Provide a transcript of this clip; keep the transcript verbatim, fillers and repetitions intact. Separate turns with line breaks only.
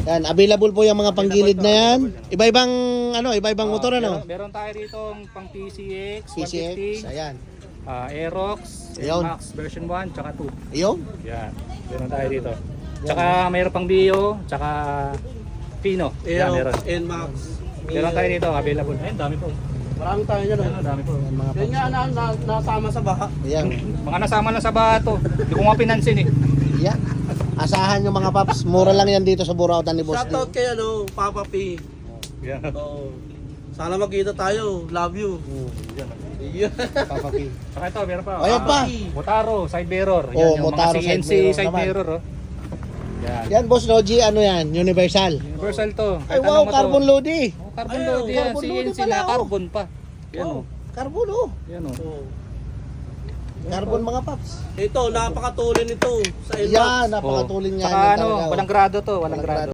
Yan, available po yung mga panggilid na yan. Iba-ibang ano, iba-ibang
Ah,
motor ano.
Meron, meron tayo rito pang P C X,
P C X,
one fifty,
ayan.
ah, Aerox,
Ayun.
Max version one, tsaka two.
Ayun.
Yan, meron tayo dito. Tsaka mayroon pang Bio, tsaka Pino. Yan, meron.
N Max.
Meron tayo dito, available. Ayun, dami po.
Marami tayo dyan.
Ayun, dami po.
Yan, mga
Yan nga na, na, nasama sa baha.
Ayan.
Mga nasama na sa bato. Hindi ko nga pinansin eh.
Yan. Asahan yung mga paps. Mura lang yan dito sa Burautan ni Boss D.
Shoutout kay ano, Papa P.
Yan.
Oo. Sana magkita tayo. Love you.
Hmm.
Yeah.
Papa P.
Saka ito, meron pa.
Ayan pa.
Motaro, side mirror. Yan,
Oh,
yung
Motaro,
mga C N C
side mirror
side
naman.
mirror. Oh. Yan.
Yan, Boss Logi, ano yan? Universal.
Universal to.
Ay,
Kahit
wow,
ano mo to.
carbon loady.
Oh, carbon
Ay,
load
oh,
yan.
carbon
C
load
N C
pala,
na
oh.
carbon pa. Yan
Oh,
oh.
carbon oh.
Yan oh.
Oo.
Carbon mga paps.
Ito, napakatulin ito sa N Max.
Yan, napakatulin nga.
Saka
yan
ano,
talaga, oh.
walang grado to, walang
Walang
grado.